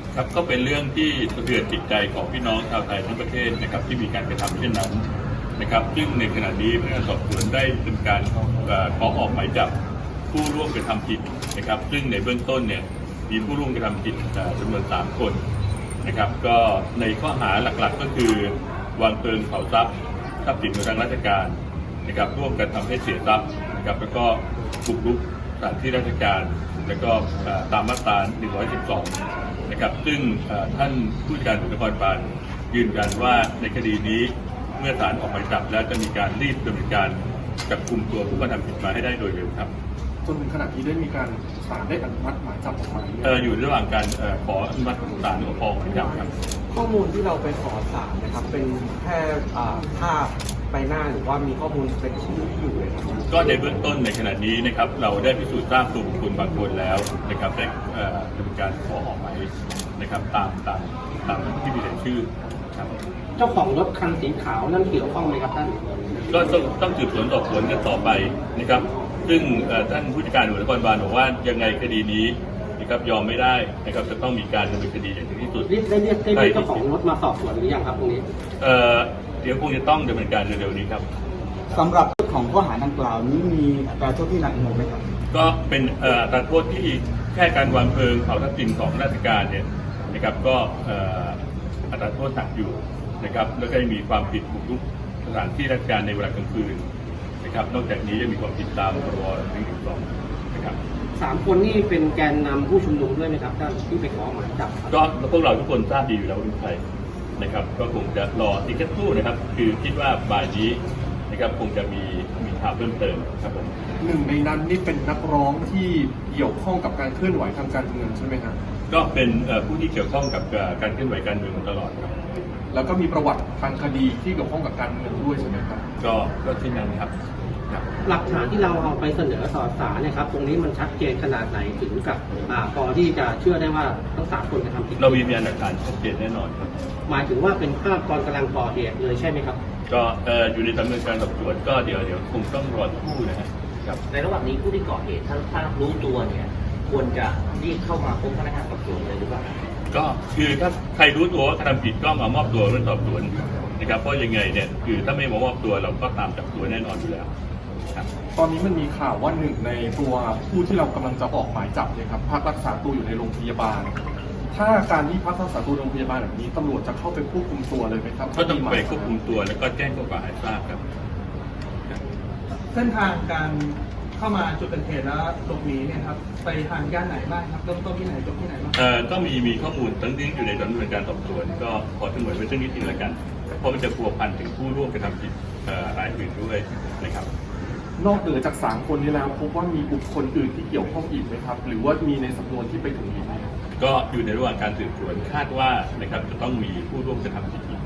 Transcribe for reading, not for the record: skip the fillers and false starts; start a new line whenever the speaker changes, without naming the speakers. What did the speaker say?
ครับก็เป็นเรื่องที่สะเทือนจิตใจของพี่น้องชาวไทยทั้งประเทศนะครับที่มีการกระทำเช่นนั้นนะครับซึ่งในขณะนี้พนักงานสอบสวนได้ดำเนินการขอออกหมายจับผู้ร่วมกระทำผิดนะครับซึ่งในเบื้องต้นเนี่ยมีผู้ร่วมกระทำผิดจำนวน3 คนนะครับก็ในข้อหาหลักๆก็คือวางเพลิงเผาทรัพย์สินของทางราชการนะครับร่วมกันทำให้เสียทรัพย์นะครับแล้วก็บุกรุกสถานที่ราชการแล้วก็ตามมาตรา 112 นะครับซึ่งท่านผู้จัดการตำรวจนครบาลยืนยันว่าในคดีนี้เมื่อศาลออกหมายจับแล้วจะมีการรีบดำเนินการจับกุมตัวผู้กระทำผิดมาให้ได้โดยเร็วครับ
จนถึงขณะนี้ได้มีการศาลได้อนุมัติหมายจับออกมา
อยู่ระหว่างการขออนุมัติศาลออกหมายจับครับ
ข้อมูลที่เราไปขอศาลนะครับเป็นแค่ภาพใบหน้าหรือว่ามีข้อมูลเป็นชื่อที่อยู่เลยครับ
ก็ในเบื้องต้นในขณะนี้นะครับเราได้พิสูจน์ทราบตัวบุคคลบางคนแล้วนะครับได้ดำเนินการขอออกหมายนะครับตามที่มีรายชื่อครับ
เจ้าของรถคันสีขาวนั่นเกี่ยวข้องไหมครับท่าน
ก็ต้องสืบสวนสอบสวนกันต่อไปนะครับซึ่งท่านผู้จัดการตำรวจนครบาลบอกว่ายังไงคดีนี้นะครับยอมไม่ได้นะครับจะต้องมีการดำเนินคดีอย่างถึงที่สุด
ได้เรียกเจ้าของรถมาสอบสวนหรือยังครับตรงนี้
เดี๋ยวคงจะต้องดำเนินการเร็วๆนี้ครับ
สำหรับของข้อหาดังกล่าวนี้มีอัตราโทษที่หนักหน่วงไหมครับ
ก็เป็นอัตราโทษที่แค่การวางเพลิงเผาทรัพย์สินของราชการเนี่ยนะครับก็อัตราโทษหนักอยู่นะครับแล้วก็มีความผิดบุกรุกสถานที่ราชการในเวลากลางคืนนะครับนอกจากนี้ยังมีความผิดตามพรบ.112นะครับ
3 คนนี่เป็นแกนนำผู้ชุมนุมด้วยไหมครับท่านที่ไปขอหมายจับ
ก็พวกเราทุกคนทราบดีอยู่แล้วว่าเป็นใครนะครับก็คงจะรออีกแค่ครู่นะครับคือคิดว่าบ่ายนี้นะครับคงจะมีข่าวเพิ่มเติมครับผม
หนึ่งในนั้นนี่เป็นนักร้องที่เกี่ยวข้องกับการเคลื่อนไหวทางการเมืองใช่ไหมครับ
ก็เป็นผู้ที่เกี่ยวข้องกับการเคลื่อนไหวการเมืองมาตลอดครับ
แล้วก็มีประวัติทางคดีที่เกี่ยวข้องกับการเมืองด้วยใช่ไหมครับ
ก็ที่นั้นครับ
หลักฐานที่เราเอาไปเสนอต่อศาลเนี่ยครับตรงนี้มันชัดเจนขนาดไหนถึงกับพอที่จะเชื่อได้ว่าทั้ง3 คนกระทำผิด
เรามีพยานหลักฐานชัดเจนแน่นอนครับ
หมายถึงว่าเป็นภาพตอนกำลังก่อเหตุเลยใช่ไหมครับ
ก็อยู่ในดำเนินการสอบสวนก็เดี๋ยวคงต้องรอคู่นะครับ
ในระหว่างนี้ผู้ที่ก่อเหตุถ้ารู้ตัวเนี่ยควรจะรีบเข้ามาพบพนักงานสอบสวนเลยหรือเปล่า
ก็คือถ้าใครรู้ตัวว่ากระทำผิดก็มามอบตัวเรื่องสอบสวนนะครับเพราะยังไงเนี่ยคือถ้าไม่มามอบตัวเราก็ตามจับตัวแน่นอนอยู่แล้ว
ตอนนี้มันมีข่าวว่าหนึ่งในตัวผู้ที่เรากำลังจะออกหมายจับเนี่ยครับพักรักษาตัวอยู่ในโรงพยาบาลถ้าการที่พักรักษาตัวโรงพยาบาลแบบนี้ตำรวจจะเข้าไปควบคุมตัวเลยไหมครับ
ก็ต้องไปควบคุมตัวแล้วก็แจ้งข้อกล่าวหาให้ทราบครับ
เส้นทางการเข้ามาจุดเกิดเหตุแล้วหลบหนีเนี่ยครับไปทางย่านไหนบ้างครับเริ่มต้นที่ไหนจบที่ไหนบ้าง
ก็มีข้อมูลตั้งที่อยู่ในดำเนินการสอบสวนก็ขอสงวนไว้เรื่องนี้ทีละกันเพราะมันจะพัวพันถึงผู้ร่วมกระทำผิดรายอื่นด้วยนะครับ
นอกเหนือจาก3 คนนี้แล้วพบว่ามีบุคคลอื่นที่เกี่ยวข้องอีกไหมครับหรือว่ามีในสำนวนที่ไปถึงอีกไหม
ก็อยู่ในระหว่างการสืบสวนคาดว่านะครับจะต้องมีผู้ร่วมกระทำผิดอีก